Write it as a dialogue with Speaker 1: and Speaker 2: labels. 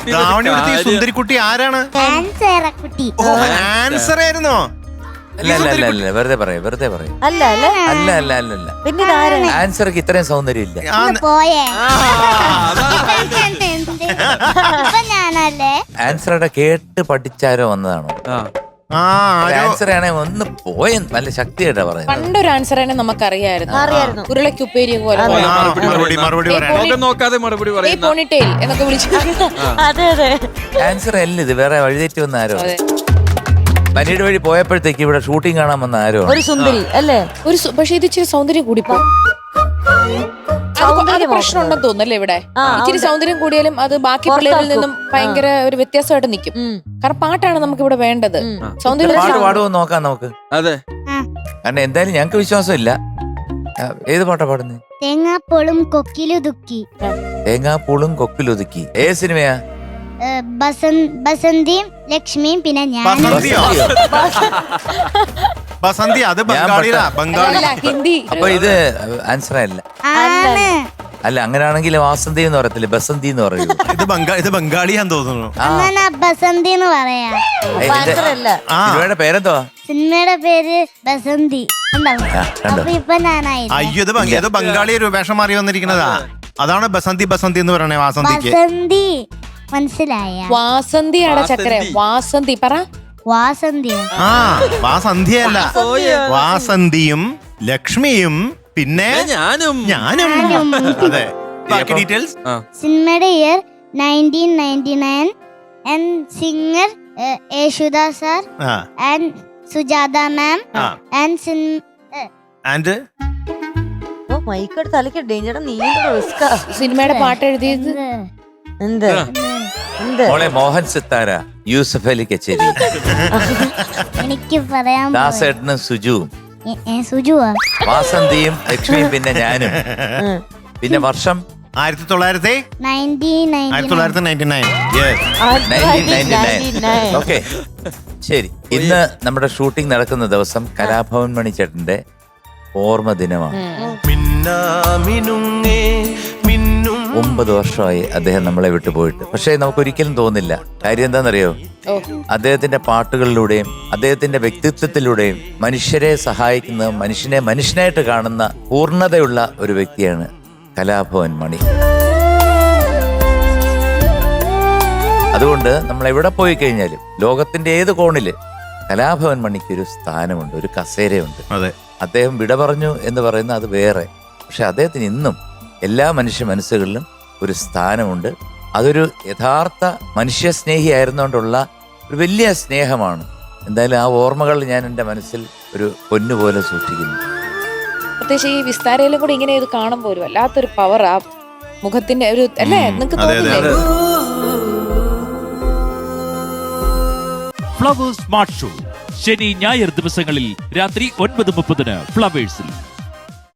Speaker 1: ധാവണി എടുത്ത ഈ സുന്ദരിക്കുട്ടി ആരാണ്? ആൻസർ ആയിരുന്നോ?
Speaker 2: അല്ല വെറുതെ പറയും അല്ല
Speaker 3: പിന്നെ
Speaker 2: ആൻസർക്ക് ഇത്രയും സൗന്ദര്യം ഇല്ല. ആൻസറുടെ കേട്ട് പഠിച്ചാരോ വന്നതാണോ? ആൻസർ ആണെങ്കിൽ ഒന്ന് പോയ നല്ല ശക്തിയായിട്ടാ പറയുന്നത്.
Speaker 4: പണ്ടൊരു ആൻസർ ആണെങ്കിൽ നമുക്കറിയായിരുന്നു. ഉരുളക്കുപ്പേരി പോലെ
Speaker 5: നോക്കാതെ മറുപടി
Speaker 4: പോണിറ്റെയിൽ എന്നൊക്കെ വിളിച്ചു.
Speaker 2: ആൻസർ അല്ല ഇത്, വേറെ വഴിതെറ്റി വന്ന ആരോ. പനിയുടെ വഴി പോയപ്പോഴത്തേക്ക് ഇവിടെ ഷൂട്ടിംഗ് കാണാൻ വന്ന ആരോ
Speaker 3: ഒരു സുന്ദരി അല്ലേ?
Speaker 4: പക്ഷെ ഇത് ഇച്ചിരി സൗന്ദര്യം കൂടിപ്പോ പ്രശ്നം ഉണ്ടെന്ന് തോന്നുന്നല്ലേ ഇവിടെ. ഇച്ചിരി സൗന്ദര്യം കൂടിയാലും അത് ബാക്കി പിള്ളേരിൽ നിന്നും ഭയങ്കര ഒരു വ്യത്യാസമായിട്ട് നിൽക്കും. കാരണം പാട്ടാണ് നമുക്ക് ഇവിടെ വേണ്ടത്. സൗന്ദര്യം
Speaker 2: പാട്ട് പാടുമോ നോക്കാം നമുക്ക്.
Speaker 5: അതെ,
Speaker 2: കാരണം എന്തായാലും ഞങ്ങക്ക് വിശ്വാസമില്ല. ഏത് പാട്ടാ പാടുന്നത്?
Speaker 6: തേങ്ങാപ്പോളും കൊക്കിലുതുക്കി.
Speaker 2: തേങ്ങാപ്പൂളും കൊക്കിലൊതുക്കി. ഏത് സിനിമയാ?
Speaker 6: ബസന്തിയും ലക്ഷ്മിയും പിന്നെ ഞാൻ.
Speaker 1: ബസന്തി അത് ബംഗാളി.
Speaker 4: ഹിന്ദി.
Speaker 2: അപ്പൊ ഇത് ആൻസർ അല്ല. അല്ല അങ്ങനെയാണെങ്കിൽ വാസന്തി എന്ന് പറയത്തില്ല, ബസന്തി എന്ന് പറയൂ.
Speaker 1: ഇത് ബംഗാളിയാന്ന് തോന്നുന്നു.
Speaker 6: ബസന്തി എന്ന് പറയാ.
Speaker 2: സിനിമയുടെ പേരെന്തോ?
Speaker 6: സിനിമയുടെ പേര് ബസന്തി. ഇപ്പൊ ഞാനായി.
Speaker 1: അയ്യോ ഇത് ബംഗാളി ഒരു വേഷം മാറി വന്നിരിക്കുന്നതാ. അതാണ് ബസന്തി എന്ന് പറയണേ. വാസന്തിക്ക്
Speaker 6: ബസന്തി മനസ്സിലായ?
Speaker 4: വാസന്തിയാണ് ചക്കര. വാസന്തി പറ.
Speaker 1: വാസന്തിയല്ല, വാസന്തിയും ലക്ഷ്മിയും പിന്നെ ഞാനും. അതെ, ബാക്കി ഡീറ്റെയിൽസ്.
Speaker 6: സിനിമയുടെ year 1999 and singer Yesudas sir and Sujatha ma'am and
Speaker 3: മൈക്കട് തലക്ക് ഡേഞ്ചർ. നീ
Speaker 4: സിനിമയുടെ പാട്ട് എഴുതിയത്
Speaker 3: എന്ത്?
Speaker 2: മോളെ മോഹൻ സിത്താര, യൂസഫ് അലി കച്ചേരി,
Speaker 6: എനിക്ക് പറയാൻ
Speaker 2: ദാസേട്ടനും സുജുവും.
Speaker 6: സുജുവാ?
Speaker 2: വാസന്തിയും ലക്ഷ്മിയും പിന്നെ ഞാനും. പിന്നെ വർഷം
Speaker 1: 1999.
Speaker 2: ഓക്കെ, ശരി. ഇന്ന് നമ്മുടെ ഷൂട്ടിംഗ് നടക്കുന്ന ദിവസം കലാഭവൻ മണി ചേട്ടന്റെ ഓർമ്മ ദിനമാണ്. 9 വർഷമായി അദ്ദേഹം നമ്മളെ വിട്ടുപോയിട്ട്. പക്ഷേ നമുക്കൊരിക്കലും തോന്നില്ല. കാര്യം എന്താണെന്നറിയോ? അദ്ദേഹത്തിന്റെ പാട്ടുകളിലൂടെയും അദ്ദേഹത്തിന്റെ വ്യക്തിത്വത്തിലൂടെയും മനുഷ്യരെ സഹായിക്കുന്ന, മനുഷ്യനെ മനുഷ്യനായിട്ട് കാണുന്ന പൂർണ്ണതയുള്ള ഒരു വ്യക്തിയാണ് കലാഭവൻ മണി. അതുകൊണ്ട് നമ്മൾ എവിടെ പോയി കഴിഞ്ഞാലും ലോകത്തിന്റെ ഏത് കോണില് കലാഭവൻ മണിക്ക് ഒരു സ്ഥാനമുണ്ട്, ഒരു കസേരയുണ്ട്. അദ്ദേഹം വിട പറഞ്ഞു എന്ന് പറയുന്ന അത് വേറെ. പക്ഷെ അദ്ദേഹത്തിന് ഇന്നും എല്ലാ മനുഷ്യ മനസ്സുകളിലും ഒരു സ്ഥാനമുണ്ട്. അതൊരു യഥാർത്ഥ മനുഷ്യ സ്നേഹിയായിരുന്നുകൊണ്ടുള്ള ഒരു വലിയ സ്നേഹമാണ്. എന്തായാലും ആ ഓർമ്മകൾ ഞാൻ എൻ്റെ മനസ്സിൽ ഒരു പൊന്നുപോലെ സൂക്ഷിക്കുന്നു.
Speaker 4: പ്രത്യേകിച്ച് ഈ വിസ്താരയിലും കൂടി ഇങ്ങനെ ഇത് കാണുമ്പോൾ ഒരു വല്ലാത്തൊരു പവർ ആ മുഖത്തിന്റെ ഒരു അല്ലേ നിങ്ങൾക്ക് തോന്നില്ലേ?
Speaker 7: ഫ്ലവേഴ്സ് സ്മാർട്ട് ഷോ ശനി ഞായർ ദിവസങ്ങളിൽ രാത്രി 9:30 ഫ്ലവേഴ്സിൽ.